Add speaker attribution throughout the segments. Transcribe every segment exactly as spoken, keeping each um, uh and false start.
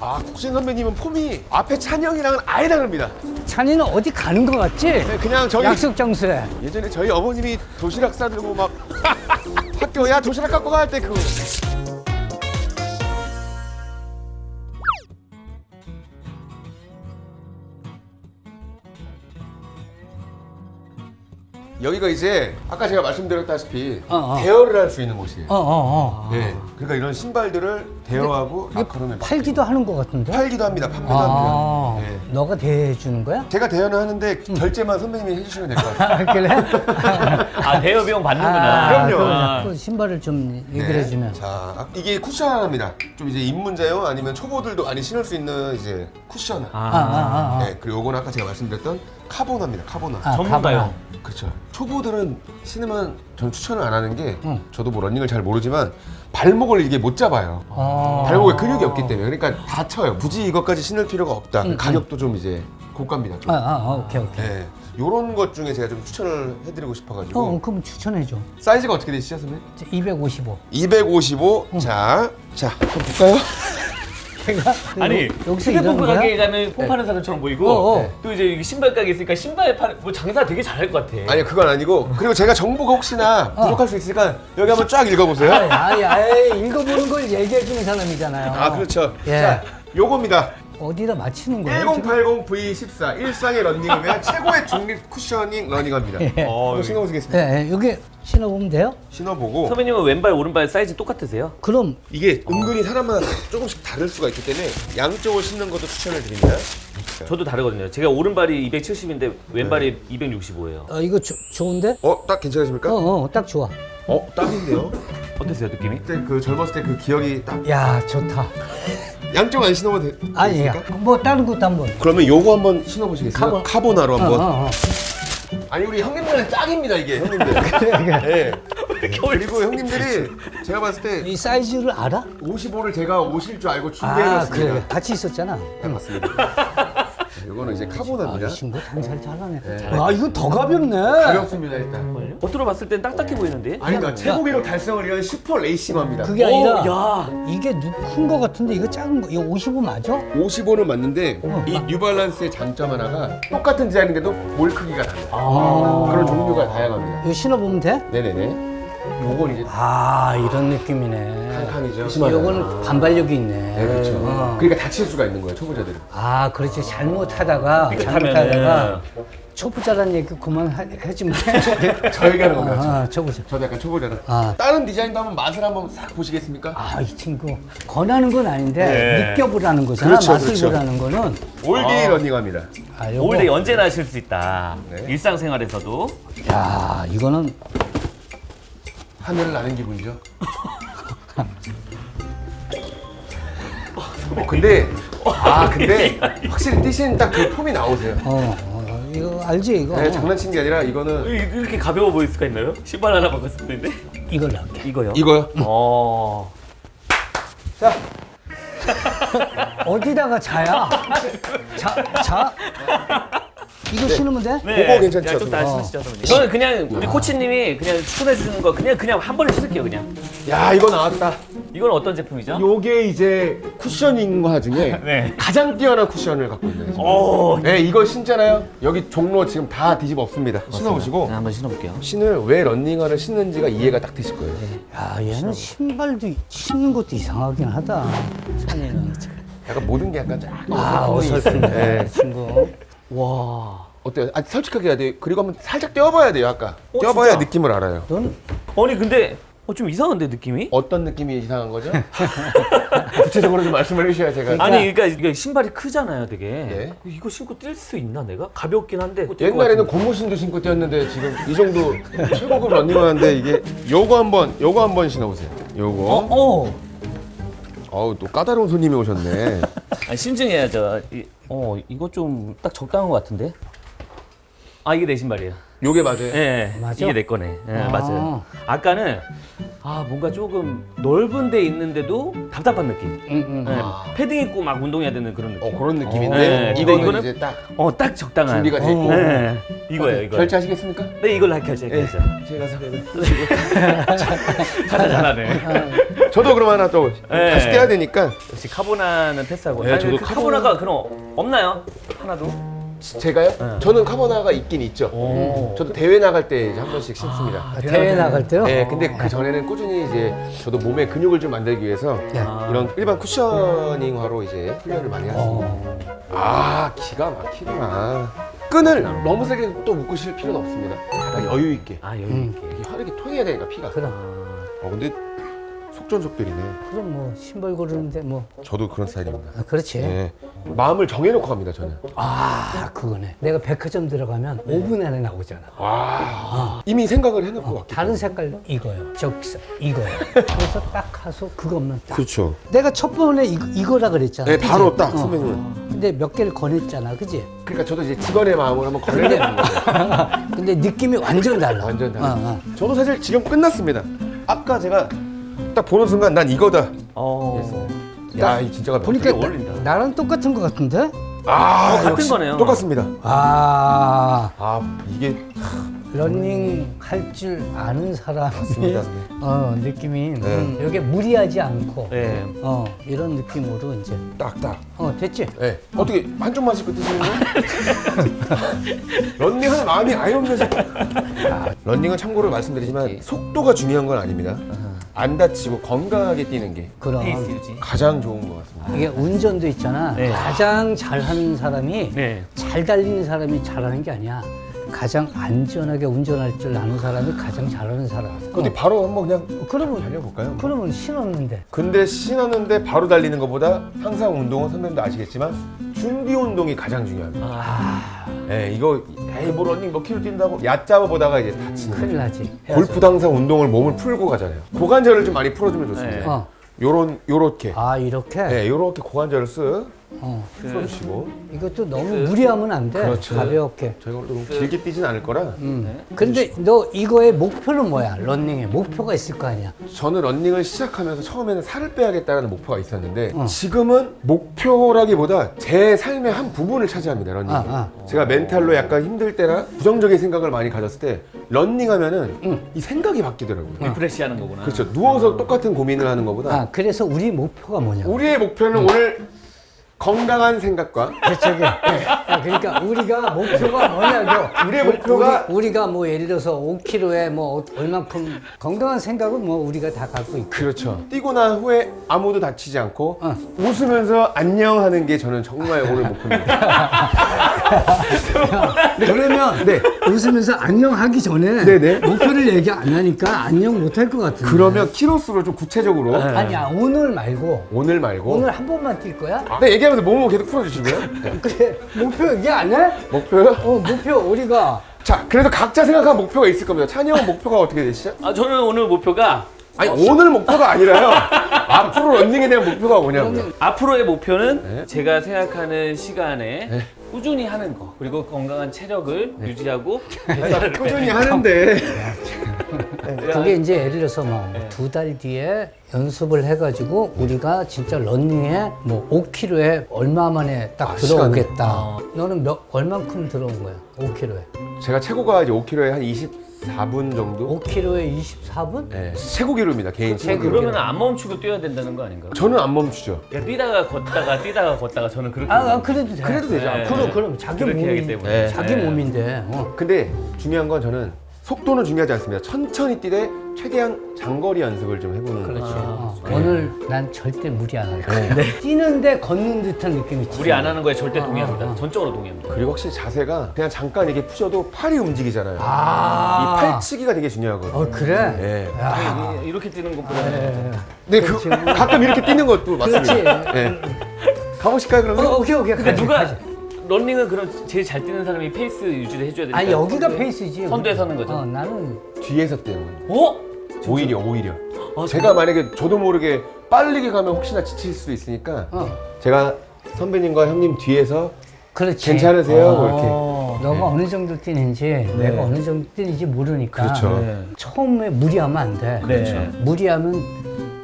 Speaker 1: 아, 국진 선배님은 폼이 앞에 찬이 형이랑은 아예 다릅니다.
Speaker 2: 찬이는 어디 가는 거 같지?
Speaker 1: 네, 그냥 저희
Speaker 2: 약속 장소에.
Speaker 1: 예전에 저희 어머님이 도시락 싸들고 막 학교 야 도시락 갖고 갈 때 그. 여기가 이제 아까 제가 말씀드렸다시피
Speaker 2: 어, 어.
Speaker 1: 대여를 할 수 있는 곳이에요.
Speaker 2: 어, 어, 어.
Speaker 1: 네, 그러니까 이런 신발들을 대여하고 라커룸에
Speaker 2: 팔기도 하는 거 같은데?
Speaker 1: 팔기도 합니다. 판매도
Speaker 2: 아,
Speaker 1: 합니다. 네.
Speaker 2: 너가 대해 주는 거야?
Speaker 1: 제가 대여는 하는데 결제만 선배님이 해주시면 될 것 같아요.
Speaker 2: 아, 그래?
Speaker 3: 아 대여 비용 받는구나.
Speaker 1: 그럼요.
Speaker 2: 아, 그 신발을 좀 얘기를 해주면.
Speaker 1: 자, 이게 쿠션 하나입니다. 좀 이제 입문자용 아니면 초보들도 많이 신을 수 있는 이제 쿠션.
Speaker 2: 아, 아, 아, 아.
Speaker 1: 네, 그리고 요거는 아까 제가 말씀드렸던 카보나입니다. 카보나.
Speaker 2: 아,
Speaker 3: 전문가요.
Speaker 2: 가봐라.
Speaker 1: 그렇죠. 초보들은 신으면 전 추천을 안 하는 게
Speaker 2: 응.
Speaker 1: 저도 뭐 러닝을 잘 모르지만 발목을 이게 못 잡아요.
Speaker 2: 아.
Speaker 1: 발목에 근육이 없기 때문에 그러니까 다쳐요. 굳이 이것까지 신을 필요가 없다.
Speaker 2: 응,
Speaker 1: 가격도 좀 이제 고가입니다. 좀.
Speaker 2: 아, 아, 아, 오케이, 오케이.
Speaker 1: 네. 요런 것 중에 제가 좀 추천을 해드리고 싶어가지고
Speaker 2: 어, 그럼 추천해줘.
Speaker 1: 사이즈가 어떻게 되시죠, 선배님?
Speaker 2: 이백오십오.
Speaker 1: 이백오십오. 자, 자, 한번 볼까요?
Speaker 2: 걔가
Speaker 3: 아니
Speaker 2: 여기서
Speaker 3: 휴대폰
Speaker 2: 일하는 거야?
Speaker 3: 가게에 가면 폰 파는 사람처럼 보이고
Speaker 2: 어, 어.
Speaker 3: 또 이제 여기 신발 가게 있으니까 신발 파는 뭐 장사 되게 잘할 것 같아.
Speaker 1: 아니요, 그건 아니고 그리고 제가 정보가 혹시나 부족할 수 있으니까 여기 한번 쫙 읽어보세요.
Speaker 2: 아이, 아이, 아이, 읽어보는 걸 얘기해주는 사람이잖아요.
Speaker 1: 아, 그렇죠.
Speaker 2: 예.
Speaker 1: 자, 요겁니다.
Speaker 2: 어디다 맞히는 거예요?
Speaker 1: 천팔십 브이 십사 일상의 러닝을 위한 최고의 중립 쿠셔닝 러닝화입니다.
Speaker 2: 예.
Speaker 3: 어,
Speaker 1: 한번 신어보시겠습니다.
Speaker 2: 예, 예, 여기 신어보면 돼요?
Speaker 1: 신어보고
Speaker 3: 선배님은 왼발 오른발 사이즈 똑같으세요?
Speaker 2: 그럼
Speaker 1: 이게 은근히 사람마다 조금씩 다를 수가 있기 때문에 양쪽을 신는 것도 추천을 드립니다.
Speaker 3: 저도 다르거든요. 제가 오른발이 이백칠십인데 왼발이 이백육십오예요.
Speaker 2: 어, 이거 조, 좋은데?
Speaker 1: 어, 딱 괜찮으십니까?
Speaker 2: 어,
Speaker 1: 어,
Speaker 2: 어, 딱 좋아.
Speaker 1: 딱인데요?
Speaker 3: 어땠어요 느낌이?
Speaker 1: 그때 그 젊었을 때 그 기억이 딱
Speaker 2: 야, 좋다.
Speaker 1: 양쪽 안 신어봐도 되,
Speaker 2: 아니, 야,
Speaker 1: 되겠습니까?
Speaker 2: 뭐 다른 것도 한번.
Speaker 1: 그러면 요거 한번 신어보시겠어요?
Speaker 2: 카보-
Speaker 1: 카보나로
Speaker 2: 어,
Speaker 1: 한번.
Speaker 2: 어, 어.
Speaker 1: 아니 우리 형님들은 짝입니다 이게 형님들. 네. 그리고 형님들이 제가 봤을 때
Speaker 2: 이 사이즈를 알아?
Speaker 1: 오십오를 제가 오실 줄 알고
Speaker 2: 아,
Speaker 1: 준비해놨습니다.
Speaker 2: 그래. 같이 있었잖아.
Speaker 1: 네, 맞습니다. 이거는 이제
Speaker 2: 아,
Speaker 1: 카보나입니다.
Speaker 2: 이 친구 장사를 잘하네. 아, 이거 더 가볍네.
Speaker 1: 가볍습니다 일단.
Speaker 3: 겉으로 봤을 땐 딱딱해 보이는데?
Speaker 1: 아니 그러니까 최고 기록 달성을 위한 슈퍼 레이싱화입니다.
Speaker 2: 그게
Speaker 3: 오,
Speaker 2: 아니라
Speaker 3: 야.
Speaker 2: 이게 큰 거 같은데 이거 작은 거. 이거 오십오 맞아?
Speaker 1: 오십오는 맞는데
Speaker 2: 어.
Speaker 1: 이 뉴발란스의 장점 하나가 똑같은 디자인인데도 볼 크기가 달라요.
Speaker 3: 아.
Speaker 1: 그런 종류가 다양합니다.
Speaker 2: 이거 신어보면 돼?
Speaker 1: 네네네. 요건 이제
Speaker 2: 아, 이런 느낌이네.
Speaker 1: 칸이죠.
Speaker 2: 이거는 반발력이 있네.
Speaker 1: 네, 그렇죠.
Speaker 2: 어.
Speaker 1: 그러니까 다칠 수가 있는 거예요 초보자들은.
Speaker 2: 아, 그렇지. 잘못하다가
Speaker 3: 삐끗하면은.
Speaker 2: 잘못하다가 초보자란 얘기 그만 하- 하지 마.
Speaker 1: 저 얘기하는 겁니다.
Speaker 2: 아, 초보자.
Speaker 1: 저도 약간 초보자라.
Speaker 2: 아.
Speaker 1: 다른 디자인도 한번 맛을 한번 싹 보시겠습니까?
Speaker 2: 아, 이 친구 권하는 건 아닌데
Speaker 3: 네.
Speaker 2: 느껴보라는 거잖아.
Speaker 1: 그렇죠,
Speaker 2: 맛을
Speaker 1: 그렇죠.
Speaker 2: 보라는 거는.
Speaker 1: 올데이 러닝화입니다.
Speaker 2: 아, 요거.
Speaker 3: 올데 언제나 하실 수 있다.
Speaker 1: 네.
Speaker 3: 일상생활에서도.
Speaker 2: 야, 이거는
Speaker 1: 하늘을 나는 기분이죠. 어, 근데 아 근데 확실히 뛰시는 딱 그 폼이 나오세요.
Speaker 2: 어, 어 이거 알지 이거.
Speaker 1: 네, 장난친 게 아니라 이거는
Speaker 3: 이- 이렇게 가벼워 보일 수가 있나요? 신발 하나 바꿨을 텐데.
Speaker 2: 이걸로 할게.
Speaker 3: 이거요?
Speaker 1: 이거요.
Speaker 3: 어.
Speaker 2: 자. 어디다가 자야? 자, 자. 이거 신으면 돼?
Speaker 1: 그거 괜찮죠,
Speaker 3: 양쪽 다
Speaker 1: 선배님?
Speaker 3: 신으시죠, 선배님. 저는 그냥 우리 코치님이 그냥 추천해 주는 거 그냥 그냥 한 번에 신을게요, 그냥.
Speaker 1: 야 이거 나왔다.
Speaker 3: 이건 어떤 제품이죠?
Speaker 1: 요게 이제 쿠셔닝화 중에
Speaker 3: 네.
Speaker 1: 가장 뛰어난 쿠션을 갖고 있는.
Speaker 3: 오.
Speaker 1: 네 이거 신잖아요. 여기 종로 지금 다 뒤집어 엎습니다. 신어보시고
Speaker 3: 네, 한번 신어볼게요.
Speaker 1: 신을 왜 런닝화를 신는지가 이해가 딱 되실 거예요.
Speaker 2: 야, 얘는 신발도 신는 것도 이상하긴 하다. 찬이는.
Speaker 1: 약간 모든 게 약간 쫙
Speaker 2: 아,
Speaker 1: 어설픈
Speaker 2: 어설픈데
Speaker 1: 네.
Speaker 2: 친구.
Speaker 3: 와.
Speaker 1: 어때요? 아 솔직하게 해야 돼요. 그리고 한번 살짝 떼어봐야 돼요. 아까
Speaker 3: 어,
Speaker 1: 떼어봐야
Speaker 3: 진짜?
Speaker 1: 느낌을 알아요.
Speaker 2: 넌
Speaker 3: 아니 근데 어, 좀 이상한데 느낌이?
Speaker 1: 어떤 느낌이 이상한 거죠? 구체적으로 좀 말씀을 해주셔야 제가.
Speaker 3: 아니 그러니까 이게 신발이 크잖아요, 되게.
Speaker 1: 네.
Speaker 3: 이거 신고 뛸 수 있나 내가? 가볍긴 한데.
Speaker 1: 옛날에는 고무신도 신고 뛰었는데 지금 이 정도 최고급 런닝화인데 이게 요거 한번 요거 한번 신어보세요. 요거.
Speaker 3: 어? 어.
Speaker 1: 어우 또 까다로운 손님이 오셨네.
Speaker 3: 아니 심증해야죠. 이, 어 이거 좀 딱 적당한 것 같은데. 아 이게 내 신발이에요.
Speaker 1: 요게 맞아요.
Speaker 3: 예,
Speaker 2: 맞아?
Speaker 3: 이게 내 거네. 예,
Speaker 2: 아.
Speaker 3: 맞아요. 아까는 아 뭔가 조금 넓은 데 있는데도 답답한 느낌.
Speaker 2: 응, 응.
Speaker 3: 예, 패딩 입고 막 운동해야 되는 그런 느낌.
Speaker 1: 어 그런 느낌인데
Speaker 3: 네, 근데
Speaker 1: 이거는
Speaker 3: 이거는
Speaker 1: 이제 딱
Speaker 3: 어 딱 적당한.
Speaker 1: 준비가 돼 있고.
Speaker 3: 네. 이거예요, 이거.
Speaker 1: 결제하시겠습니까?
Speaker 3: 네, 이걸로 결제할게요.
Speaker 1: 제가 사면
Speaker 3: 잘하 잘하네.
Speaker 1: 저도 그럼 하나 또
Speaker 3: 네.
Speaker 1: 다시 떼야 되니까
Speaker 3: 역시 카보나는 패스하고.
Speaker 1: 네,
Speaker 3: 아니,
Speaker 1: 저도
Speaker 3: 그
Speaker 1: 카보나-
Speaker 3: 카보나가 그럼 없나요? 하나도?
Speaker 1: 제가요?
Speaker 3: 네.
Speaker 1: 저는 카보나가 있긴 있죠.
Speaker 3: 오.
Speaker 1: 저도 대회 나갈 때 이제 한 번씩 신습니다.
Speaker 2: 아, 대회 나갈 때요?
Speaker 1: 네, 근데 그 전에는 꾸준히 이제 저도 몸에 근육을 좀 만들기 위해서
Speaker 3: 아.
Speaker 1: 이런 일반 쿠셔닝화로 이제 훈련을 많이 했습니다.
Speaker 2: 어.
Speaker 1: 아, 기가 막히구나. 끈을 너무 세게 또 묶으실 필요는 없습니다. 다 여유 있게.
Speaker 3: 아, 여기
Speaker 2: 음.
Speaker 3: 이렇게.
Speaker 1: 이게 화력이 통해야 되니까 피가.
Speaker 2: 그럼
Speaker 1: 어, 근데 속전속결이네.
Speaker 2: 그럼 뭐 신발 고르는데 뭐
Speaker 1: 저도 그런 스타일입니다.
Speaker 2: 아, 그렇지.
Speaker 1: 네. 마음을 정해놓고 갑니다, 저는.
Speaker 2: 아 그거네. 내가 백화점 들어가면 오 분 안에 나오잖아.
Speaker 1: 와, 이미 생각을 해놓고
Speaker 2: 어,
Speaker 1: 왔기
Speaker 2: 다른 색깔 이거요. 저기 이거요. 그래서 딱 가서 그것만 딱.
Speaker 1: 그렇죠.
Speaker 2: 내가 첫 번에 이거, 이거라 그랬잖아.
Speaker 1: 네,
Speaker 2: 그치?
Speaker 1: 바로 딱
Speaker 2: 어.
Speaker 1: 선배님은.
Speaker 2: 근데 몇 개를 권했잖아, 그지?
Speaker 1: 그러니까 저도 이제 직원의 마음을 한번 걸려내는 거죠.
Speaker 2: 근데 느낌이 완전 달라.
Speaker 1: 완전 달라.
Speaker 2: 어, 어.
Speaker 1: 저도 사실 지금 끝났습니다. 아까 제가 딱 보는 순간 난 이거다.
Speaker 3: 어.
Speaker 1: 야, 이 진짜가
Speaker 2: 보니까
Speaker 3: 되게 어울린다.
Speaker 2: 나, 나랑 똑같은 것 같은데?
Speaker 1: 아,
Speaker 3: 어, 같은
Speaker 1: 역시
Speaker 3: 거네요.
Speaker 1: 똑같습니다.
Speaker 2: 아
Speaker 1: 아, 이게
Speaker 2: 러닝 할 줄 아는 사람이
Speaker 1: 맞습니다.
Speaker 2: 어 느낌이
Speaker 1: 네.
Speaker 2: 음, 여기 무리하지 않고
Speaker 3: 네.
Speaker 2: 어 이런 느낌으로 이제
Speaker 1: 딱딱.
Speaker 2: 어 됐지?
Speaker 1: 네. 어떻게 한쪽 마시고 드시는 거예요? 런닝하는 마음이 아예 없는 아, 런닝은 참고로 말씀드리지만 속도가 중요한 건 아닙니다. 안 다치고 건강하게 뛰는 게
Speaker 2: 그럼
Speaker 3: 페이스 유지.
Speaker 1: 가장 좋은 것 같습니다.
Speaker 2: 이게 운전도 있잖아.
Speaker 3: 네.
Speaker 2: 가장 잘하는 사람이
Speaker 3: 네.
Speaker 2: 잘 달리는 사람이 잘하는 게 아니야. 가장 안전하게 운전할 줄 아는 사람이 가장 잘하는 사람.
Speaker 1: 근데 바로 한번 그냥
Speaker 2: 어, 그러면
Speaker 1: 달려볼까요?
Speaker 2: 그러면 신었는데.
Speaker 1: 근데 신었는데 바로 달리는 것보다 항상 운동은 선배님도 아시겠지만 준비 운동이 가장 중요합니다.
Speaker 3: 아.
Speaker 1: 예, 이거 에이 뭐 런닝 몇 킬로 뛴다고 얕잡아 보다가 이제 다치는
Speaker 2: 큰일
Speaker 1: 거죠.
Speaker 2: 나지.
Speaker 1: 골프도 항상 운동을 몸을 풀고 가잖아요. 고관절을 좀 많이 풀어주면 좋습니다.
Speaker 3: 네.
Speaker 2: 어.
Speaker 1: 요런 요렇게,
Speaker 2: 아 이렇게.
Speaker 1: 네, 요렇게 고관절을 쓱
Speaker 2: 어.
Speaker 1: 풀어주시고.
Speaker 2: 이것도 너무 무리하면 안 돼.
Speaker 1: 그렇죠.
Speaker 2: 가볍게.
Speaker 1: 저희가 너무 길게 뛰진 않을 거라.
Speaker 2: 음. 근데 너 이거의 목표는 뭐야? 런닝의 목표가 있을 거 아니야?
Speaker 1: 저는 런닝을 시작하면서 처음에는 살을 빼야겠다는 목표가 있었는데 지금은 목표라기보다 제 삶의 한 부분을 차지합니다. 런닝이.
Speaker 2: 아,
Speaker 1: 제가 멘탈로 약간 힘들 때나 부정적인 생각을 많이 가졌을 때 런닝하면은 이 생각이 바뀌더라고요.
Speaker 3: 리프레시 하는 거구나.
Speaker 1: 그렇죠. 누워서 똑같은 고민을 하는 것보다
Speaker 2: 아 그래서 우리 목표가 뭐냐?
Speaker 1: 우리의 목표는 오늘 건강한 생각과
Speaker 2: 대책에. 그러니까 우리가 목표가 뭐냐고.
Speaker 1: 우리의 목표가
Speaker 2: 우리, 가뭐 예를 들어서 오 킬로에 뭐 얼만큼 건강한 생각은 뭐 우리가 다 갖고 있고.
Speaker 1: 그렇죠. 뛰고 난 후에 아무도 다치지 않고
Speaker 2: 어.
Speaker 1: 웃으면서 안녕하는 게 저는 정말 오늘 목표입니다.
Speaker 2: 그러면
Speaker 1: 네.
Speaker 2: 웃으면서 안녕하기 전에
Speaker 1: 네네.
Speaker 2: 목표를 얘기 안 하니까 안녕 못 할 것 같은데.
Speaker 1: 그러면 키로수로 좀 구체적으로
Speaker 2: 아니야 오늘 말고
Speaker 1: 오늘 말고
Speaker 2: 오늘 한 번만 뛸 거야?
Speaker 1: 네, 얘기하면서 몸을 계속 풀어주시고요. 네.
Speaker 2: 그래 목표 얘기 안 해?
Speaker 1: 목표요?
Speaker 2: 어 목표 우리가
Speaker 1: 자, 그래서 각자 생각한 목표가 있을 겁니다. 찬이 형 목표가 어떻게 되시죠?
Speaker 3: 아, 저는 오늘 목표가
Speaker 1: 아니 오늘 목표가 아니라요. 앞으로 런닝에 대한 목표가 뭐냐고요.
Speaker 3: 앞으로의 목표는
Speaker 1: 네.
Speaker 3: 제가 생각하는 시간에
Speaker 1: 네.
Speaker 3: 꾸준히 하는 거, 그리고 건강한 체력을 유지하고
Speaker 1: 꾸준히 하는데
Speaker 2: 그게 이제 예를 들어서 뭐
Speaker 1: 네.
Speaker 2: 두 달 뒤에 연습을 해가지고 우리가 진짜 런닝에 뭐 오 킬로에 얼마 만에 딱
Speaker 1: 아,
Speaker 2: 들어오겠다.
Speaker 3: 어.
Speaker 2: 너는 몇 얼만큼 들어온 거야? 오 킬로에.
Speaker 1: 제가 최고가 이제 오 킬로에 한 이십사 분 정도.
Speaker 2: 오 킬로에 이십사 분?
Speaker 1: 네, 최고 기록입니다. 개인 최고 기록.
Speaker 3: 그러면 안 멈추고 뛰어야 된다는 거 아닌가요?
Speaker 1: 저는 안 멈추죠.
Speaker 3: 그냥 뛰다가 걷다가 뛰다가 걷다가 저는 그렇게
Speaker 2: 아, 아 그래도 돼.
Speaker 1: 그래도 되죠.
Speaker 3: 네.
Speaker 2: 그럼 그럼 자기
Speaker 3: 그렇게
Speaker 2: 몸이
Speaker 3: 하기 때문에.
Speaker 1: 네.
Speaker 2: 자기
Speaker 3: 네.
Speaker 2: 몸인데. 어.
Speaker 1: 근데 중요한 건 저는 속도는 중요하지 않습니다. 천천히 뛰되 최대한 장거리 연습을 좀 해보는
Speaker 2: 그렇지.
Speaker 1: 거죠.
Speaker 2: 어.
Speaker 1: 네.
Speaker 2: 오늘 난 절대 무리 안 할 거야. 뛰는데 걷는 듯한 느낌이 있지.
Speaker 3: 무리 안 하는 거에 절대
Speaker 2: 어,
Speaker 3: 동의합니다.
Speaker 2: 어, 어.
Speaker 3: 전적으로 동의합니다.
Speaker 1: 그리고 확실히 자세가 그냥 잠깐 이게 푸셔도 팔이 움직이잖아요.
Speaker 2: 아.
Speaker 1: 이 팔치기가 되게 중요하거든요.
Speaker 2: 어 그래.
Speaker 1: 네.
Speaker 2: 야.
Speaker 3: 이- 이렇게 뛰는 것보다
Speaker 2: 네.
Speaker 1: 네, 그, 가끔 이렇게 뛰는 것도 맞습니다.
Speaker 2: 그렇지.
Speaker 1: 네. 가보실까요, 그러면?
Speaker 2: 어, 오케이 오케이.
Speaker 3: 근데
Speaker 2: 가자,
Speaker 3: 누가
Speaker 2: 가자.
Speaker 3: 런닝은 그럼 제일 잘 뛰는 사람이 페이스 유지를 해줘야 되니까.
Speaker 2: 아니 여기가 페이스지.
Speaker 3: 선두에 서는 거죠.
Speaker 2: 어, 나는
Speaker 1: 뒤에서 뛰는 거예요.
Speaker 3: 어?
Speaker 1: 오히려, 오히려.
Speaker 3: 아,
Speaker 1: 제가 만약에 저도 모르게 빠르게 가면 혹시나 지칠 수도 있으니까
Speaker 2: 어
Speaker 1: 제가 선배님과 형님 뒤에서
Speaker 2: 그렇지.
Speaker 1: 괜찮으세요? 뭐 이렇게.
Speaker 3: 어.
Speaker 2: 너가 어느 정도 뛰는지 내가 어느 정도 뛰는지 모르니까.
Speaker 1: 그렇죠.
Speaker 3: 네.
Speaker 2: 처음에 무리하면 안 돼.
Speaker 3: 네.
Speaker 2: 무리하면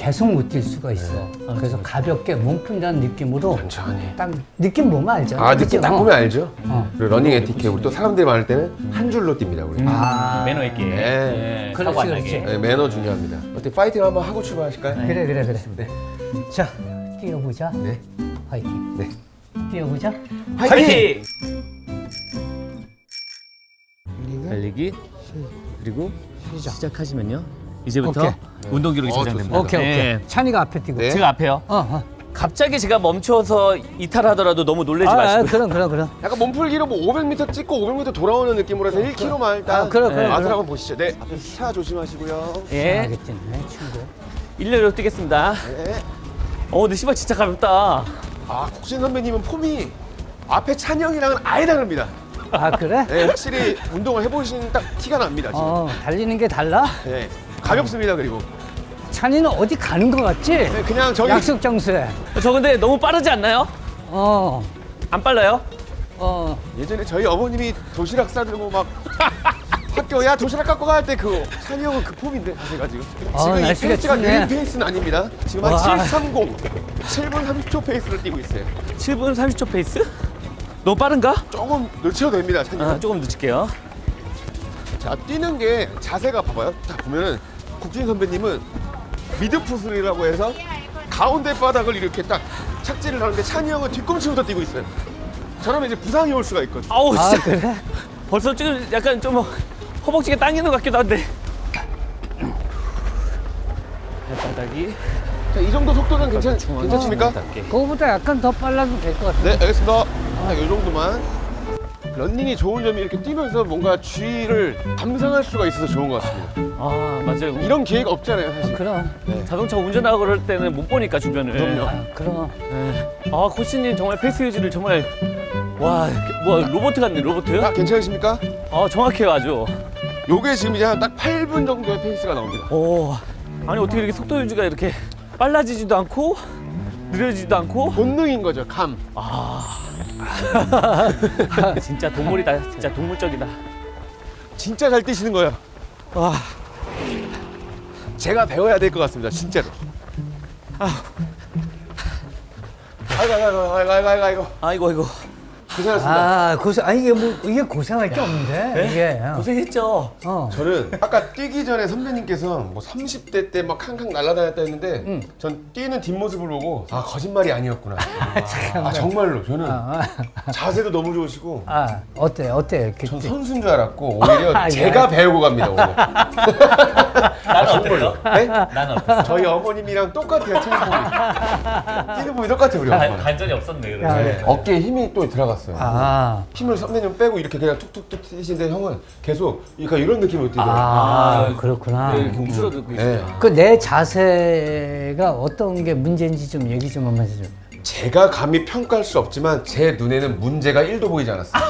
Speaker 2: 계속 못 뛸 수가 있어. 그래서 가볍게 몸 푼다는 느낌으로
Speaker 1: 천천히.
Speaker 2: 딱 느낌 보면 알죠.
Speaker 1: 아, 느낌
Speaker 2: 그치?
Speaker 1: 딱
Speaker 2: 어.
Speaker 1: 보면 알죠?
Speaker 2: 어.
Speaker 1: 그리고 러닝 에티켓, 우리 또 사람들이 많을 때는 한 줄로 뜁니다, 우리.
Speaker 2: 아,
Speaker 3: 매너 있게.
Speaker 1: 네.
Speaker 3: 네,
Speaker 2: 그렇지,
Speaker 3: 사고 안 나게.
Speaker 2: 그렇지.
Speaker 1: 네, 매너 중요합니다. 어떻게 파이팅 한번 하고 출발하실까요?
Speaker 2: 그래 그래 그래.
Speaker 1: 네.
Speaker 2: 자, 뛰어보자.
Speaker 1: 네.
Speaker 2: 화이팅.
Speaker 1: 네.
Speaker 2: 뛰어보자.
Speaker 3: 파이팅! 달리기 그리고 시작하시면요. 이제부터
Speaker 2: 오케이.
Speaker 3: 운동 기록이
Speaker 1: 어,
Speaker 3: 저장됩니다.
Speaker 2: 오케이 오케이.
Speaker 3: 네.
Speaker 2: 찬이가 앞에 뛰고.
Speaker 1: 네.
Speaker 3: 제가 앞에요.
Speaker 2: 어, 어.
Speaker 3: 갑자기 제가 멈춰서 이탈하더라도 너무 놀라지
Speaker 2: 아, 아,
Speaker 3: 마시고요.
Speaker 2: 그럼 그럼 그럼.
Speaker 1: 약간 몸풀기로 뭐 오백 미터 찍고 오백 미터 돌아오는 느낌으로 해서 일 킬로미터만 일단
Speaker 2: 아, 그래, 그래,
Speaker 1: 맛을
Speaker 2: 그래.
Speaker 1: 한번 보시죠. 네. 앞에 차 조심하시고요.
Speaker 3: 예,
Speaker 2: 하겠네 친구.
Speaker 3: 일렬로 뛰겠습니다.
Speaker 1: 네.
Speaker 3: 어, 근데 신발 진짜 가볍다.
Speaker 1: 아, 국진 선배님은 폼이 앞에 찬영이랑은 아예 다릅니다.
Speaker 2: 아 그래?
Speaker 1: 네, 확실히 운동을 해보신 딱 티가 납니다. 지금.
Speaker 2: 어, 달리는 게 달라?
Speaker 1: 네, 가볍습니다. 그리고
Speaker 2: 찬이는 어디 가는 거 같지?
Speaker 1: 네, 그냥 저기
Speaker 2: 약속 장소에.
Speaker 3: 저 근데 너무 빠르지 않나요?
Speaker 2: 어,
Speaker 3: 안 빨라요?
Speaker 2: 어.
Speaker 1: 예전에 저희 어머님이 도시락 싸들고 막 학교 야 도시락 갖고 갈 때 그 찬이 형은 그 폼인데 제가 지금
Speaker 2: 아,
Speaker 1: 지금 이
Speaker 2: 날씨가
Speaker 1: 페이스가
Speaker 2: 춥네.
Speaker 1: 느린 페이스는 아닙니다. 지금 한
Speaker 2: 와.
Speaker 1: 칠삼십 칠 분 삼십 초 페이스를 뛰고 있어요.
Speaker 3: 칠 분 삼십 초 페이스? 너무 빠른가?
Speaker 1: 조금 늦춰도 됩니다. 찬이 형.
Speaker 3: 아, 조금 늦을게요.
Speaker 1: 자, 뛰는 게 자세가 봐봐요. 자, 보면은 국진 선배님은 미드풋이라고 해서 가운데 바닥을 이렇게 딱 착지를 하는데 찬이 형은 뒤꿈치부터 뛰고 있어요. 저러면 이제 부상이 올 수가 있거든요.
Speaker 3: 아우
Speaker 2: 아
Speaker 3: 진짜
Speaker 2: 그래?
Speaker 3: 벌써 지금 약간 좀 허벅지가 당기는 것 같기도 한데. 발바닥이
Speaker 1: 자, 이 정도 속도는 괜찮, 괜찮습니까?
Speaker 2: 그거보다 약간 더 빨라도 될 것 같아.
Speaker 1: 네, 알겠습니다. 자, 이 정도만. 런닝이 좋은 점이 이렇게 뛰면서 뭔가 주위를 감상할 수가 있어서 좋은 것 같습니다.
Speaker 3: 아 맞아요.
Speaker 1: 이런 기회가 없잖아요, 사실.
Speaker 2: 그럼.
Speaker 3: 자동차 운전하고 그럴 때는 못 보니까 주변을.
Speaker 1: 그럼요.
Speaker 2: 아, 그럼.
Speaker 3: 네. 아 코치님 정말 페이스 유지를 정말 와, 뭐 로봇 같네 로봇.
Speaker 1: 아, 괜찮으십니까?
Speaker 3: 아 정확해요 아주.
Speaker 1: 요게 지금 이제 한 딱 팔 분 정도의 페이스가 나옵니다.
Speaker 3: 오, 아니 어떻게 이렇게 속도 유지가 이렇게 빨라지지도 않고 느려지지도 않고.
Speaker 1: 본능인 거죠, 감.
Speaker 3: 진짜 동물이다. 진짜 동물적이다.
Speaker 1: 진짜 잘 뛰시는 거예요. 와, 제가 배워야 될 것 같습니다, 진짜로. 아, 아이고, 아이고, 아이고, 아이고, 아이고, 아이고.
Speaker 3: 아이고 아이고
Speaker 1: 고생하셨습니다.
Speaker 2: 아 고생. 아니 이게 뭐 이게 고생할 게 없는데 이게.
Speaker 3: 고생했죠.
Speaker 2: 어.
Speaker 1: 저는 아까 뛰기 전에 선배님께서 뭐 삼십 대 때 막 캉캉 날아다녔다 했는데
Speaker 2: 응.
Speaker 1: 전 뛰는 뒷모습을 보고 아, 거짓말이 아니었구나. 아, 정말로 저는
Speaker 2: 아,
Speaker 1: 자세도 너무 좋으시고
Speaker 2: 아 어때 어때 이렇게.
Speaker 1: 전 선수인 줄 알았고 오히려
Speaker 2: 아, 예.
Speaker 1: 제가 배우고 갑니다, 오늘.
Speaker 3: 나는 어땠어?
Speaker 1: 네?
Speaker 3: 나는 어땠어?
Speaker 1: 저희 어머님이랑 똑같아요, 뛰는 폼이. 뛰는 폼이 똑같아요, 우리 어머니.
Speaker 3: 반전이 없었네 그래.
Speaker 2: 야,
Speaker 1: 네, 어깨에 힘이 또 들어갔어요.
Speaker 2: 아.
Speaker 1: 힘을 선배님 빼고 이렇게 그냥 툭툭툭 뛰시는데 형은 계속 그러니까 이런 느낌으로 뛰더라고요.
Speaker 2: 아, 그렇구나.
Speaker 3: 네, 이렇게 움츠러들고
Speaker 1: 네.
Speaker 3: 있어요.
Speaker 2: 그 내 자세가 어떤 게 문제인지 좀 얘기 좀 한번 해줘.
Speaker 1: 제가 감히 평가할 수 없지만 제 눈에는 문제가 일도 보이지 않았어요.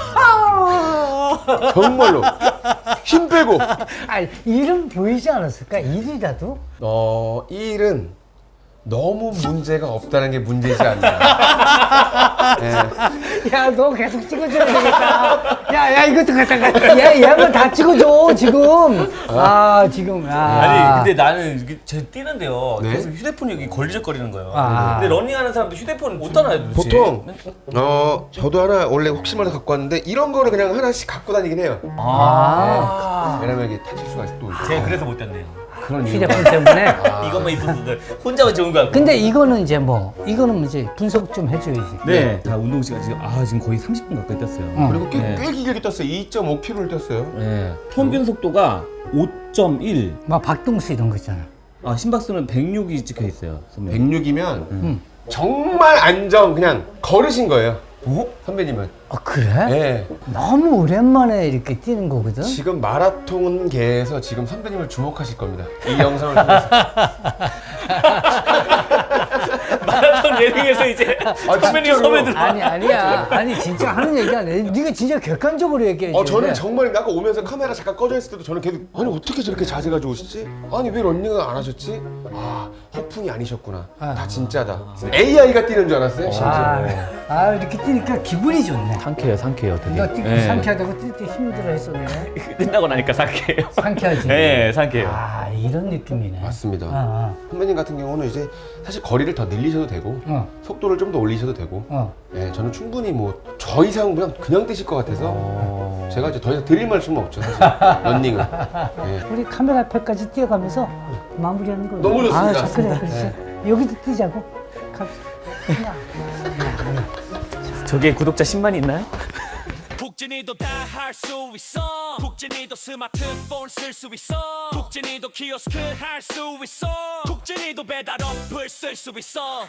Speaker 1: 정말로 힘 빼고
Speaker 2: 아, 일은 보이지 않았을까? 일이라도?
Speaker 1: 어, 이 일은 너무 문제가 없다는 게 문제지 않나. 네.
Speaker 2: 야, 너 계속 찍어줘야 되겠다. 야, 야, 이것도 갖다가. 얘, 얘만 다 찍어줘, 지금. 아, 지금. 아.
Speaker 3: 아니 근데 나는 이게 제 뛰는데요
Speaker 1: 네?
Speaker 3: 계속 휴대폰이 여기 걸리적거리는 거예요.
Speaker 2: 아.
Speaker 3: 근데 러닝하는 사람도 휴대폰을 못 따놔요 도대체.
Speaker 1: 보통 어 저도 하나 원래 혹시 몰라 갖고 왔는데 이런 거를 그냥 하나씩 갖고 다니긴 해요.
Speaker 3: 아.
Speaker 1: 왜냐면 이게 다칠 수가 또 있어.
Speaker 3: 제가 그래서 못 땄네요.
Speaker 1: 그런 이유.
Speaker 2: 휴대폰 때문에.
Speaker 3: 이것만 있었어도 혼자만 좋은 거 같고.
Speaker 2: 근데 이거는 이제 뭐, 이거는 이제 분석 좀 해줘야지.
Speaker 3: 네, 다 운동 시간 지금 아 지금 거의 삼십 분 가까이 뛰었어요.
Speaker 2: 응.
Speaker 1: 그리고 꽤,
Speaker 3: 네.
Speaker 1: 꽤 길게 뛰었어요. 이 점 오 킬로미터를 뛰었어요.
Speaker 3: 네. 평균 속도가 오 점 일.
Speaker 2: 막 박동수 이런 거 있잖아.
Speaker 3: 아 심박수는 백육이 찍혀 있어요. 선배님.
Speaker 1: 백육이면
Speaker 2: 응.
Speaker 1: 정말 안정 그냥 걸으신 거예요.
Speaker 3: 어?
Speaker 1: 선배님은.
Speaker 2: 아, 그래?
Speaker 1: 네.
Speaker 2: 너무 오랜만에 이렇게 뛰는 거거든?
Speaker 1: 지금 마라톤계에서 지금 선배님을 주목하실 겁니다. 이 영상을 통해서.
Speaker 3: 마라톤 예능에서 이제 선배님
Speaker 1: 진짜로?
Speaker 3: 섬에 들어.
Speaker 2: 아니 아니야. 아니 진짜 하는 얘기 아니야. 네가 진짜 객관적으로 얘기해.
Speaker 1: 어 저는 정말 아까 오면서 카메라 잠깐 꺼져 있을 때도 저는 계속 아니 어떻게 저렇게 자세가 좋으시지? 아니 왜 런닝을 안 하셨지? 아 허풍이 아니셨구나. 다 진짜다. 에이아이가 뛰는 줄 알았어요. 심지어.
Speaker 2: 아, 아 이렇게 뛰니까 기분이 좋네.
Speaker 3: 상쾌해요, 상쾌해요, 되게.
Speaker 2: 너 뛰고
Speaker 3: 예.
Speaker 2: 상쾌하다고 뛸 때 힘들어 했었네.
Speaker 3: 끝나고 나니까 상쾌해요.
Speaker 2: 상쾌하지.
Speaker 3: 네, 상쾌해요.
Speaker 2: 아 이런 느낌이네.
Speaker 1: 맞습니다.
Speaker 2: 어,
Speaker 1: 선배님 같은 경우는 이제 사실 거리를 더 늘리셔도 되고
Speaker 2: 어,
Speaker 1: 속도를 좀 더 올리셔도 되고
Speaker 2: 어.
Speaker 1: 예, 저는 충분히 뭐 저 이상 그냥 그냥 뛰실 것 같아서
Speaker 3: 어...
Speaker 1: 제가 이제 더 이상 드릴 말씀은 없죠 사실 런닝은 예.
Speaker 2: 우리 카메라 앞에까지 뛰어가면서 마무리하는 거.
Speaker 1: 너무 좋습니다.
Speaker 2: 아, 자, 그래, 그렇지. 여기도 뛰자고. 갑시다.
Speaker 3: 저게 구독자 십만이 있나요?
Speaker 4: 국진이도 다 할 수 있어 국진이도 스마트폰 쓸 수 있어 국진이도 키오스크 할 수 있어 국진이도 배달 어플 쓸 수 있어